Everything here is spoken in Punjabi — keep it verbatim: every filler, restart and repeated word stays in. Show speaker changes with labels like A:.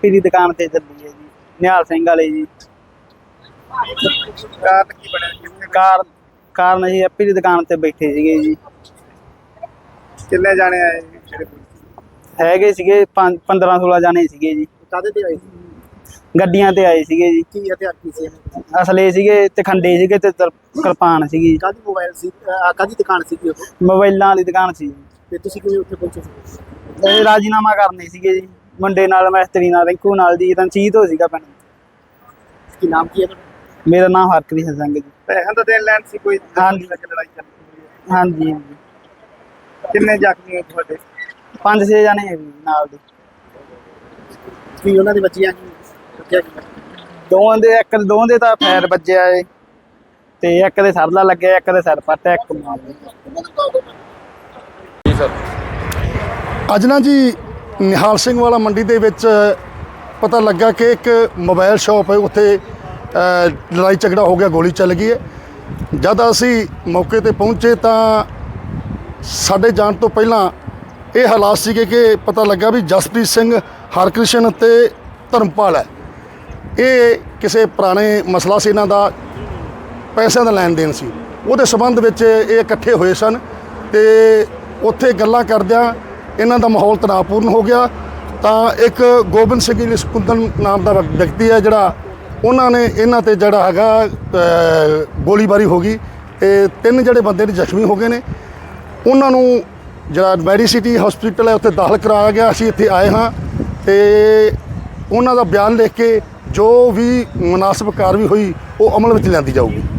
A: ਹੈਪੀ ਦੀ ਦੁਕਾਨ ਤੇ ਚੱਲੀ ਹੈ ਜੀ, ਨਿਹਾਲ ਸਿੰਘ ਵਾਲੇ ਜੀ।
B: ਕਾਰਨ ਕੀ ਬਣਿਆ?
A: ਕਾਰ ਕਾਰਨ ਅਸੀਂ ਹੈਪੀ ਦੀ ਦੁਕਾਨ ਤੇ ਬੈਠੇ ਸੀਗੇ ਜੀ।
B: ਕਿੰਨੇ ਜਾਣੇ ਆਏ ਜਿਹੜੇ?
A: ਹੈਗੇ ਸੀਗੇ ਪੰਜ ਪੰਦਰਾਂ ਸੋਲਾਂ ਜਾਣੇ ਸੀਗੇ ਜੀ।
B: ਕਾਹਦੇ ਤੇ ਆਏ ਸੀ?
A: ਗੱਡੀਆਂ ਤੇ ਆਏ ਸੀਗੇ ਜੀ।
B: ਕੀ ਹਥਿਆਰ ਕੀ ਸੀ?
A: ਅਸਲੇ ਸੀਗੇ ਤੇ ਖੰਡੇ ਸੀਗੇ ਤੇ ਤਰ- ਕਿਰਪਾਨ ਸੀਗੀ।
B: ਕਾਹਦੀ ਮੋਬਾਈਲ ਸੀ? ਅਹ ਕਾਹਦੀ ਦੁਕਾਨ ਸੀਗੀ ਉਹ?
A: ਮੋਬਾਈਲਾਂ ਵਾਲੀ ਦੁਕਾਨ ਸੀ।
B: ਤੇ ਤੁਸੀਂ ਕਿਵੇਂ ਉੱਥੇ ਪਹੁੰਚੇ ਸੀ?
A: ਇਹ ਰਾਜੀਨਾਮਾ ਕਰਨੇ ਸੀਗੇ ਜੀ, ਮੁੰਡੇ ਨਾਲ, ਮਿਸਤਰੀ ਨਾਲ, ਰਿੰਕੂ ਨਾਲ ਜੀ। ਰਣਜੀਤ ਹੋ ਸੀਗਾ ਪਿੰਡ।
B: ਕੀ ਨਾਮ ਕੀ ਹੈ ਤੁਹਾਡਾ?
A: ਮੇਰਾ ਨਾਮ ਹਰਕ੍ਰਿਸ਼ਨ ਸਿੰਘ ਜੀ।
B: ਪੈਸਿਆਂ ਦਾ ਦੇਣ ਲੈਣ ਸੀ ਕੋਈ?
A: ਹਾਂਜੀ।
B: ਲੜਾਈ ਚੱਲੀ?
A: ਹਾਂਜੀ ਹਾਂਜੀ।
B: ਕਿੰਨੇ ਜ਼ਖਮੀ ਹੋਏ ਤੁਹਾਡੇ?
A: ਪੰਜ ਛੇ ਜਾਣੇ ਹੈ ਜੀ ਨਾਲ ਦੇ।
B: ਕੀ ਉਹਨਾਂ ਦੇ ਬੱਚੀਆਂ ਕੀ ਰੱਖਿਆ ਕੀ?
A: ਦੋਵਾਂ ਦੇ ਇੱਕ ਦੋਵਾਂ ਦੇ ਤਾਂ ਫੈਰ ਵੱਜਿਆ ਏ ਤੇ ਇੱਕ ਦੇ ਸਰਲਾ ਲੱਗਿਆ, ਇੱਕ ਦੇ ਸਿਰ ਪੱਟ, ਇੱਕ ਮਾਰ
B: ਜੀ ਸਰ।
C: ਅੱਜ ਨਾ ਜੀ ਨਿਹਾਲ ਸਿੰਘ ਵਾਲਾ ਮੰਡੀ ਦੇ ਵਿੱਚ ਪਤਾ ਲੱਗਾ ਕਿ ਇੱਕ ਮੋਬਾਈਲ ਸ਼ਾਪ ਹੈ, ਉੱਥੇ ਲੜਾਈ ਝਗੜਾ ਹੋ ਗਿਆ, ਗੋਲੀ ਚੱਲ ਗਈ ਹੈ। ਜਦ ਅਸੀਂ ਮੌਕੇ ਤੇ ਪਹੁੰਚੇ ਤਾਂ ਸਾਡੇ ਜਾਣ ਤੋਂ ਪਹਿਲਾਂ ਇਹ ਹਾਲਾਤ ਸੀਗੇ ਕਿ ਪਤਾ ਲੱਗਾ ਵੀ ਜਸਪ੍ਰੀਤ ਸਿੰਘ, ਹਰਕ੍ਰਿਸ਼ਨ ਤੇ ਧਰਮਪਾਲ ਹੈ, ਇਹ ਕਿਸੇ ਪੁਰਾਣੇ ਮਸਲਾ ਸੀ ਇਹਨਾਂ ਦਾ, ਪੈਸਿਆਂ ਦਾ ਲੈਣ ਦੇਣ ਸੀ, ਉਹਦੇ ਸੰਬੰਧ ਵਿੱਚ ਇਹ ਇਕੱਠੇ ਹੋਏ ਸਨ ਤੇ ਉੱਥੇ ਗੱਲਾਂ ਕਰਦਿਆਂ ਇਹਨਾਂ ਦਾ ਮਾਹੌਲ ਤਣਾਅਪੂਰਨ ਹੋ ਗਿਆ। ਤਾਂ ਇੱਕ ਗੋਬਿੰਦ ਸਿੰਘ ਜੀ ਸਕੁੰਦਨ ਨਾਮ ਦਾ ਵਿਅਕਤੀ ਹੈ ਜਿਹੜਾ, ਉਹਨਾਂ ਨੇ ਇਹਨਾਂ ਤੇ ਜਿਹੜਾ ਹੈਗਾ ਗੋਲੀਬਾਰੀ ਹੋ ਗਈ ਤੇ ਤਿੰਨ ਜਿਹੜੇ ਬੰਦੇ ਨੇ ਜ਼ਖਮੀ ਹੋ ਗਏ ਨੇ। ਉਹਨਾਂ ਨੂੰ ਜਿਹੜਾ ਮੈਡੀਸਿਟੀ ਹਸਪੀਟਲ ਹੈ ਉੱਥੇ ਦਾਖਲ ਕਰਾਇਆ ਗਿਆ। ਅਸੀਂ ਇੱਥੇ ਆਏ ਹਾਂ ਤੇ ਉਹਨਾਂ ਦਾ ਬਿਆਨ ਲਿਖ ਕੇ ਜੋ ਵੀ ਮੁਨਾਸਬ ਕਾਰਵਾਈ ਹੋਈ ਉਹ ਅਮਲ ਵਿੱਚ ਲਿਆਂਦੀ ਜਾਊਗੀ।